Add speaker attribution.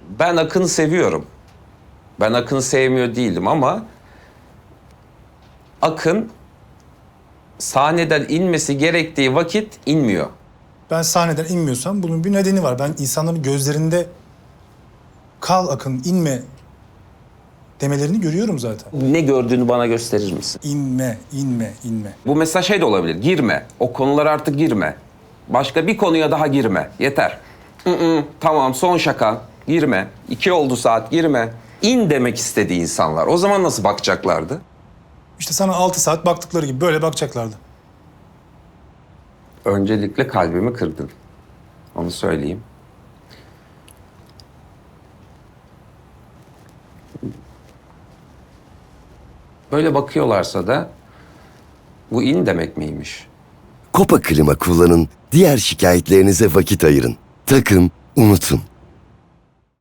Speaker 1: Ben Akın'ı seviyorum. Ben Akın'ı sevmiyor değilim ama Akın sahneden inmesi gerektiği vakit inmiyor.
Speaker 2: Ben sahneden inmiyorsam bunun bir nedeni var. Ben insanların gözlerinde kal Akın, inme demelerini görüyorum zaten.
Speaker 1: Ne gördüğünü bana gösterir misin?
Speaker 2: İnme, inme, inme.
Speaker 1: Bu mesela şey de olabilir. Girme. O konulara artık girme. Başka bir konuya daha girme. Yeter. Tamam, son şaka. Girme. 2 oldu saat, girme. İn demek istedi insanlar. O zaman nasıl bakacaklardı?
Speaker 2: İşte sana 6 saat baktıkları gibi böyle bakacaklardı.
Speaker 1: Öncelikle kalbimi kırdın. Onu söyleyeyim. Böyle bakıyorlarsa da bu in demek miymiş?
Speaker 3: Kopa Klima kullanın, diğer şikayetlerinize vakit ayırın. Takın, unutun.